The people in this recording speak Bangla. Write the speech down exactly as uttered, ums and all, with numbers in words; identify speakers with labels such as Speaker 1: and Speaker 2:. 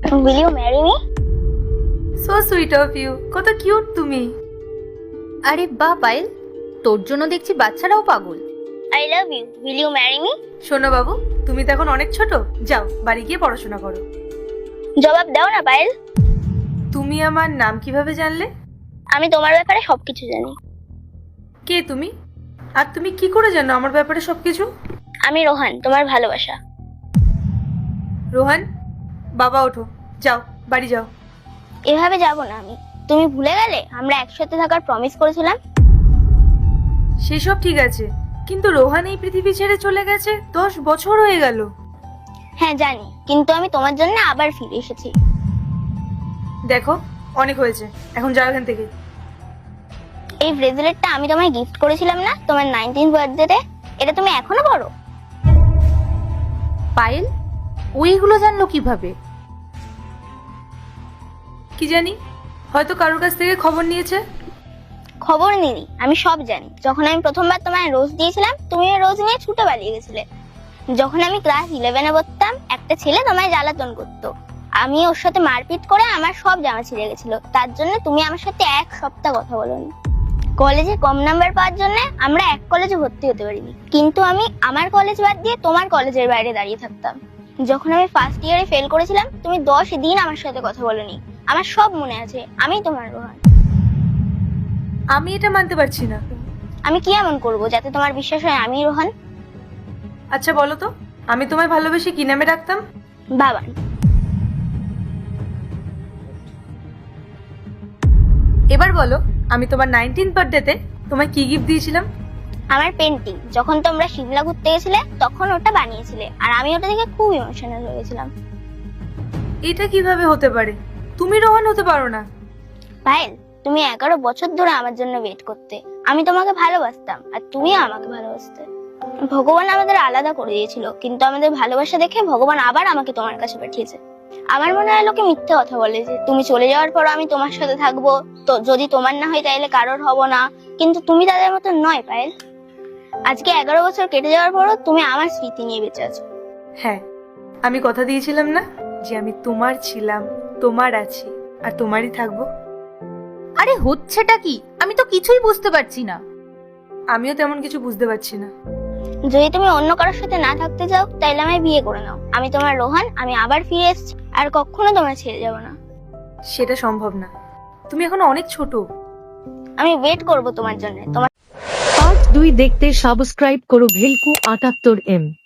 Speaker 1: Will you marry me?
Speaker 2: So sweet of you, কত কিউট তুমি।
Speaker 3: আরে বাহ পায়েল, তোর জন্য দেখছি বাচ্চারাও পাগল।
Speaker 1: I love you. Will you marry me?
Speaker 2: শোনো বাবু, তুমি তো এখন অনেক ছোট, যাও বাড়ি গিয়ে পড়াশোনা করো।
Speaker 1: জবাব দাও না পায়েল।
Speaker 2: তুমি আমার নাম কিভাবে জানলে?
Speaker 1: আমি তোমার ব্যাপারে সবকিছু জানি।
Speaker 2: কে তুমি? আর তুমি কি করে জানো আমার ব্যাপারে সবকিছু?
Speaker 1: আমি রোহান, তোমার ভালোবাসা।
Speaker 2: রোহান, বাবা ওঠো, যাও বাড়ি যাও।
Speaker 1: এভাবে যাব না আমি। তুমি ভুলে গেলে আমরা একসাথে থাকার প্রমিস করেছিলাম?
Speaker 2: সেসব ঠিক আছে, কিন্তু রোহান এই পৃথিবী ছেড়ে চলে গেছে, দশ বছর হয়ে গেল।
Speaker 1: হ্যাঁ জানি, কিন্তু আমি তোমার জন্য আবার ফিরে এসেছি।
Speaker 2: দেখো অনেক হয়েছে, এখন যাও এখান থেকে।
Speaker 1: এই ব্রেসলেটটা আমি তোমায় গিফট করেছিলাম না তোমার নাইনটিন বার্থডেতে, এটা তুমি এখনো পরো?
Speaker 3: পায়েল ওইগুলো জানলো কিভাবে?
Speaker 2: কি জানি, হয়তো কারোর কাছ থেকে খবর নিয়েছে।
Speaker 1: খবর নিনি, আমি সব জানি। যখন আমি প্রথমবার তোমায় রোজ দিয়েছিলাম, তুমি ওই রোজ নিয়ে ছুটে পালিয়ে গেছিলে। যখন আমি ক্লাস ইলেভেনে পড়তাম, একটা ছেলে তোমায় জ্বালাতন করতো। আমি ওর সাথে মারপিট করে আমার সব জামা ছিঁড়ে গেছিল, তার জন্য তুমি আমার সাথে এক সপ্তাহ কথা বলোনি। কলেজে কম নাম্বার পাওয়ার জন্য আমরা এক কলেজে ভর্তি হতে পারিনি, কিন্তু আমি আমার কলেজ বাদ দিয়ে তোমার কলেজের বাইরে দাঁড়িয়ে থাকতাম। যখন আমি ফার্স্ট ইয়ারে ফেল করেছিলাম, তুমি দশ দিন আমার সাথে কথা বলোনি। আমার সব মনে আছে, আমি তোমার রোহান।
Speaker 2: আমি এটা মানতে পারছি না।
Speaker 1: আমি কি এমন করবো যাতে তোমার বিশ্বাস হয় আমি রোহান?
Speaker 2: আচ্ছা বলো তো, আমি তোমায় ভালোবেসে কি নামে ডাকতাম?
Speaker 1: বাবান।
Speaker 2: এবার বলো, আমি তোমার নাইনটিন বার্থডেতে তোমায় কি গিফট দিয়েছিলাম?
Speaker 1: আমার পেন্টিং। যখন তোমরা সিমলা ঘুরতে গেছিলে তখন ওটা বানিয়েছিলে, আর আমি ওটা দেখে খুব ইমোশনাল হয়ে গেছিলাম।
Speaker 2: এটা কিভাবে হতে পারে? তুমি রোহান হতে পারো না।
Speaker 1: পায়েল, তুমি এগারো বছর ধরে আমার জন্য ওয়েট করতে। আমি তোমাকে ভালোবাসতাম আর তুমিও আমাকে ভালোবাসতে। ভগবান আমাদের আলাদা করে দিয়েছিল, কিন্তু আমাদের ভালোবাসা দেখে ভগবান আবার আমাকে তোমার কাছে পাঠিয়েছে। আমার মনে হয় লোকে মিথ্যে কথা বলে যে তুমি চলে যাওয়ার পর আমি তোমার সাথে থাকবো, তো যদি তোমার না হয় তাইলে কারোর হব না, কিন্তু তুমি তাদের মতো নয় পায়েল। আজকে এগারো বছর কেটে যাওয়ার পরও তুমি আমার স্মৃতি নিয়ে বেঁচে আছো।
Speaker 2: হ্যাঁ, আমি কথা দিয়েছিলাম না যে আমি তোমার ছিলাম, তোমার আছি আর তোমারই থাকবো।
Speaker 3: আরে হচ্ছেটা কি? আমি তো কিছুই বুঝতে পারছি না।
Speaker 2: আমিও তেমন কিছু বুঝতে পারছি না।
Speaker 1: যদি তুমি অন্য কারোর সাথে না থাকতে চাও তাইলে আমায় বিয়ে করে নাও। আমি তোমার রোহান, আমি আবার ফিরে এসেছি, আর কখনো তোমায় ছেড়ে যাব না।
Speaker 2: সেটা সম্ভব না, তুমি এখন অনেক ছোট।
Speaker 1: আমি ওয়েট করব তোমার জন্য। তোমার
Speaker 4: পার্ট দুই দেখতে সাবস্ক্রাইব করো ভেলকু আটাত্তর এম।